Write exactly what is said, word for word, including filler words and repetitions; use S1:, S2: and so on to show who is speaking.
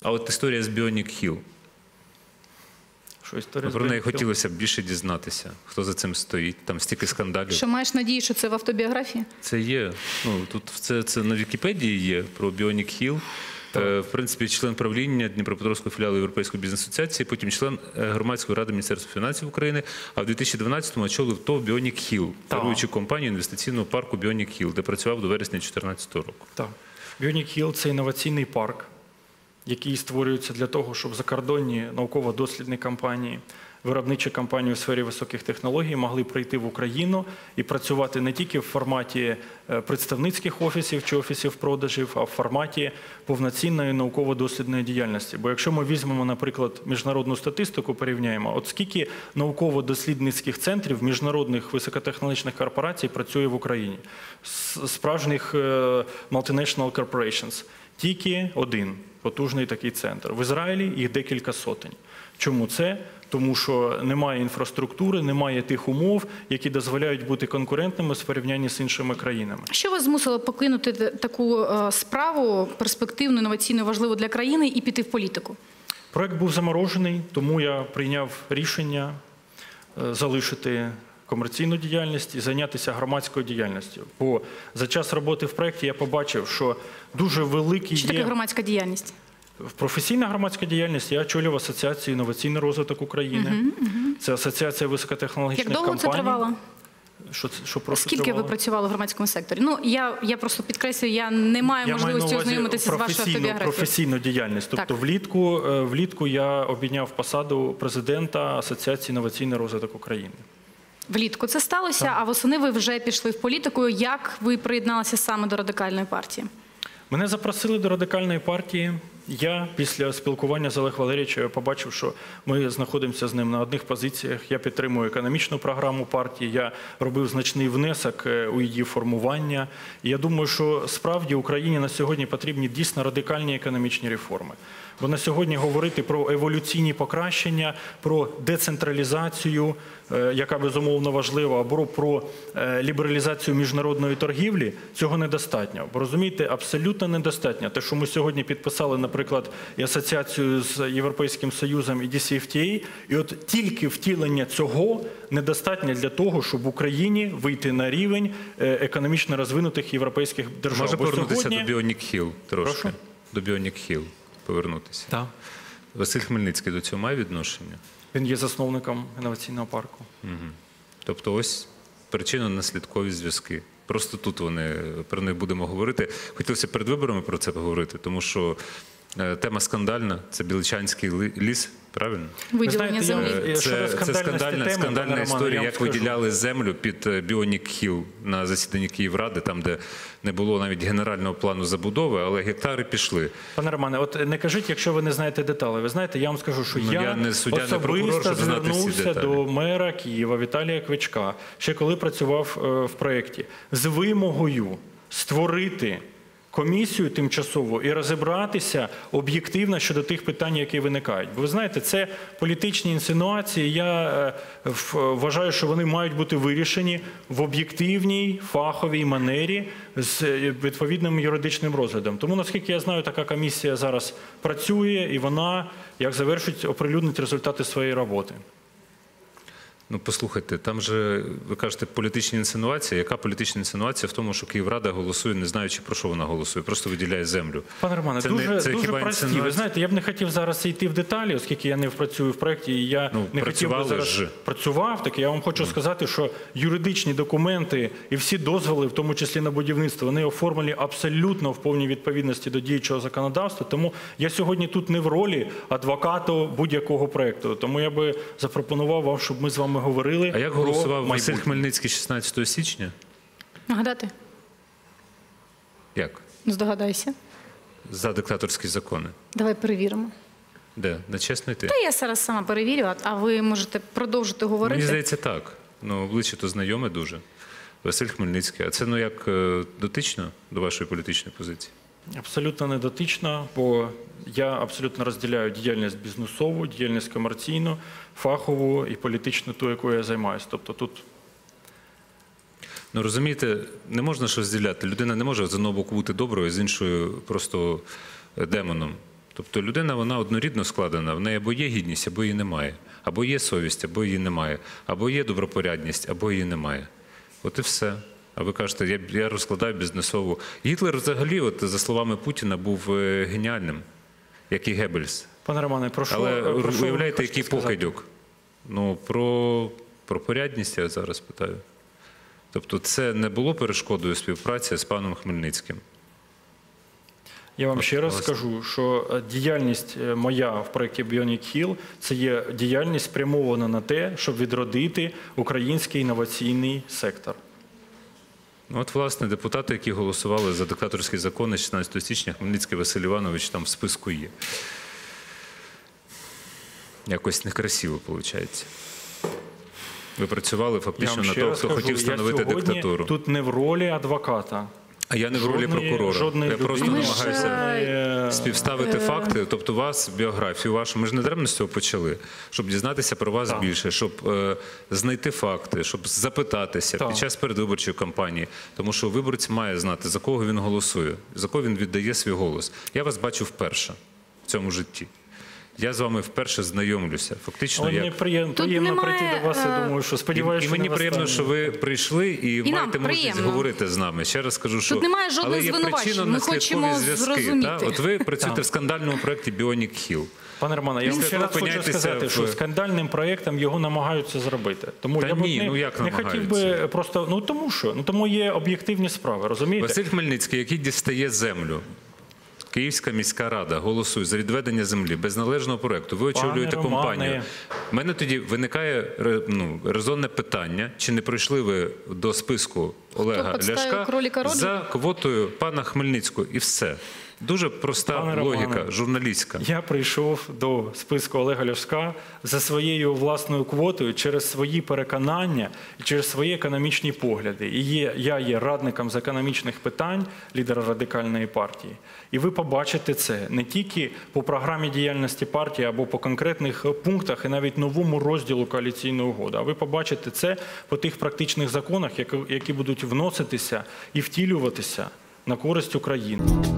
S1: А от історія з Bionic Hill.
S2: Що історія
S1: Про
S2: з
S1: неї
S2: Bionic Hill?
S1: хотілося б більше дізнатися, хто за цим стоїть, там стільки скандалів.
S3: Що маєш надію, що це в автобіографії?
S1: Це є, ну, тут це, це на Вікіпедії є про Bionic Hill. Е, в принципі, член правління Дніпропетровської філіалу Європейської бізнес-асоціації, потім член громадської ради Міністерства фінансів України, а в дві тисячі дванадцятому очолив ТОВ Bionic Hill, керуючу компанію інвестиційного парку Bionic Hill, де працював до вересня дві тисячі чотирнадцятого року.
S2: Так. Bionic Hill – це інноваційний парк, який створюється для того, щоб закордонні науково-дослідні компанії, виробничі компанії у сфері високих технологій могли прийти в Україну і працювати не тільки в форматі представницьких офісів чи офісів продажів, а в форматі повноцінної науково-дослідної діяльності. Бо якщо ми візьмемо, наприклад, міжнародну статистику, порівняємо, от скільки науково-дослідницьких центрів міжнародних високотехнологічних корпорацій працює в Україні, справжніх multinational corporations, тільки один потужний такий центр. В Ізраїлі їх декілька сотень. Чому це? Тому що немає інфраструктури, немає тих умов, які дозволяють бути конкурентними в порівнянні з іншими країнами.
S3: Що вас змусило покинути таку справу, перспективну, інноваційну, важливу для країни і піти в політику?
S2: Проект був заморожений, тому я прийняв рішення залишити комерційну діяльність і зайнятися громадською діяльністю. Бо за час роботи в проєкті я побачив, що дуже великий є...
S3: Що таке громадська діяльність?
S2: Професійна громадська діяльність, я очолював Асоціацію «Інноваційний розвиток України». Uh-huh, uh-huh. Це Асоціація високотехнологічних компаній.
S3: Як довго це тривало?
S2: Що, що просто
S3: Скільки
S2: тривало?
S3: ви працювали в громадському секторі? Ну, я, я просто підкреслюю, я не маю
S2: я
S3: можливості ознайомитися з вашою автобіографією.
S2: Професійну діяльність. Тобто влітку, влітку я обійняв посаду президента Асоціації «Інноваційний розвиток України».
S3: Влітку це сталося, так. А восени ви вже пішли в політику. Як ви приєдналися саме до Радикальної партії?
S2: Мене запросили до Радикальної партії. Я після спілкування з Олегом Валерійовичем побачив, що ми знаходимося з ним на одних позиціях. Я підтримую економічну програму партії, я робив значний внесок у її формування. І я думаю, що справді Україні на сьогодні потрібні дійсно радикальні економічні реформи. Бо на сьогодні говорити про еволюційні покращення, про децентралізацію, яка безумовно важлива, або про лібералізацію міжнародної торгівлі, цього недостатньо. Бо розумієте, абсолютно недостатньо. Те, що ми сьогодні підписали, наприклад, і асоціацію з Європейським Союзом і ді сі еф ті ей, і от тільки втілення цього недостатньо для того, щоб в Україні вийти на рівень економічно розвинутих європейських держав.
S1: Може повернутися
S2: сьогодні...
S1: до Bionic Hill трошки?
S2: Прошу?
S1: До Bionic Hill повернутися.
S2: Так.
S1: Василь Хмельницький до цього має відношення?
S2: Він є засновником інноваційного парку.
S1: Угу. Тобто ось причинно-наслідкові зв'язки. Просто тут вони, про них будемо говорити. Хотілося перед виборами про це поговорити, тому що тема скандальна, це Біличанський ліс, правильно?
S3: Виділення землі.
S1: Це, це скандальна, теми, скандальна історія, як виділяли землю під Bionic Hill на засіданні Київради, там, де не було навіть генерального плану забудови, але гектари пішли.
S2: Пане Романе, от не кажіть, якщо ви не знаєте деталі. Ви знаєте, я вам скажу, що
S1: ну,
S2: я,
S1: я не суддя,
S2: особисто
S1: не прокурор, щоб
S2: звернувся до мера Києва Віталія Кличка, ще коли працював в проєкті, з вимогою створити комісію тимчасову і розібратися об'єктивно щодо тих питань, які виникають. Бо ви знаєте, це політичні інсинуації, я вважаю, що вони мають бути вирішені в об'єктивній, фаховій манері з відповідним юридичним розглядом. Тому, наскільки я знаю, така комісія зараз працює і вона, як завершить, оприлюднить результати своєї роботи.
S1: Ну, послухайте, там же, ви кажете, політичні інсинуації. Яка політична інсинуація в тому, що Київрада голосує, не знаючи, про що вона голосує, просто виділяє землю?
S2: Пане Романе, це дуже, не, це дуже прості. Інсинуація? Ви знаєте, я б не хотів зараз йти в деталі, оскільки я не працюю в проєкті, і я
S1: ну,
S2: не хотів би зараз...
S1: Ж.
S2: Працював, так я вам хочу mm. сказати, що юридичні документи і всі дозволи, в тому числі на будівництво, вони оформлені абсолютно в повній відповідності до діючого законодавства. Тому я сьогодні тут не в ролі адвоката будь-якого проєкту. Тому я би запропонував вам, щоб ми з вами говорили.
S1: А як голосував Василь Хмельницький шістнадцятого січня?
S3: Нагадати?
S1: Як?
S3: Здогадайся.
S1: За диктаторські закони.
S3: Давай перевіримо.
S1: Де? На чесно йти?
S3: Та я зараз сама перевірю, а ви можете продовжити говорити.
S1: Мені здається так. Ну, обличчя то знайоме дуже. Василь Хмельницький. А це, ну, як дотично до вашої політичної позиції?
S2: Абсолютно не дотично, бо я абсолютно розділяю діяльність бізнесову, діяльність комерційну, фахову і політичну, ту, якою я займаюся. Тобто тут...
S1: Ну, розумієте, не можна ж розділяти. Людина не може з одного боку бути доброю, з іншою просто демоном. Тобто людина, вона однорідно складена, в неї або є гідність, або її немає. Або є совість, або її немає. Або є добропорядність, або її немає. От і все. А ви кажете, я, я розкладаю бізнесову. Гітлер взагалі, от, за словами Путіна, був е, геніальним, як і Геббельс.
S2: Пане Романе, прошу.
S1: Але
S2: прошу,
S1: уявляєте, який
S2: сказати?
S1: покидьок? Ну, про, про порядність я зараз питаю. Тобто це не було перешкодою співпраці з паном Хмельницьким?
S2: Я вам
S1: От,
S2: ще раз
S1: власне.
S2: скажу, що діяльність моя в проєкті Bionic Hill – це є діяльність спрямована на те, щоб відродити український інноваційний сектор.
S1: Ну, от, власне, депутати, які голосували за диктаторські закони шістнадцятого січня, Хмельницький Василь Іванович там в списку є. Якось некрасиво, виходить. Ви працювали
S2: Я
S1: фактично
S2: вам
S1: на
S2: ще
S1: того,
S2: раз
S1: хто
S2: скажу,
S1: хотів
S2: я
S1: встановити
S2: сьогодні
S1: диктатуру.
S2: тут не в ролі адвоката.
S1: А я не в ролі
S2: Жодної-
S1: прокурора.
S2: жодної
S1: Я просто
S2: людини.
S1: намагаюся
S2: Е,
S1: співставити факти, тобто вас, біографію вашу. Ми ж не даремно з цього почали, щоб дізнатися про вас
S2: Так.
S1: більше, щоб е, знайти факти, щоб запитатися
S2: Так.
S1: під час передвиборчої кампанії. Тому що виборець має знати, за кого він голосує, за кого він віддає свій голос. Я вас бачу вперше в цьому житті. Я з вами вперше знайомлюся. Фактично,
S2: Але
S1: як...
S2: мені приємно,
S3: Тут
S2: приємно
S3: немає,
S2: прийти до вас, я
S3: е,
S2: думаю, що
S1: І,
S2: сподіваюся,
S1: і
S2: що
S1: мені
S2: не
S1: приємно,
S2: востаннє.
S1: що ви прийшли і,
S3: нам
S1: маєте можливість
S3: приємно.
S1: говорити з нами. Ще раз скажу, що
S3: Тут немає жодних
S1: але є
S3: звинувачень. Ми хочемо
S1: причинно-наслідкові зв'язки.
S3: зрозуміти.
S1: Та? От ви працюєте в скандальному проєкті Bionic Hill.
S2: Пане Романе, я вам
S1: Після
S2: ще
S1: того
S2: раз хочу
S1: опиняєтеся
S2: сказати,
S1: в-
S2: що скандальним проєктом його намагаються зробити. Тому
S1: Та
S2: я б
S1: ні,
S2: не,
S1: ну як
S2: не хотів
S1: намагаються?
S2: би просто, ну тому що, ну тому є об'єктивні справи, розумієте?
S1: Василь Хмельницький, який дістає землю. Київська міська рада голосує за відведення землі без належного проєкту. Ви
S2: Пане
S1: очолюєте
S2: Романе.
S1: компанію. У мене тоді виникає ре- ну, резонне питання, чи не прийшли ви до списку Олега
S3: підставив
S1: Ляшка
S3: кролика Роджера?
S1: за квотою пана Хмельницького. І все. Дуже проста
S2: Пане
S1: логіка,
S2: Романе.
S1: журналістська.
S2: Я прийшов до списку Олега Ляшка за своєю власною квотою через свої переконання і через свої економічні погляди. І є, я є радником з економічних питань лідера Радикальної партії. І ви побачите це не тільки по програмі діяльності партії або по конкретних пунктах і навіть новому розділу коаліційної угоди, а ви побачите це по тих практичних законах, які, які будуть вноситися і втілюватися на користь України.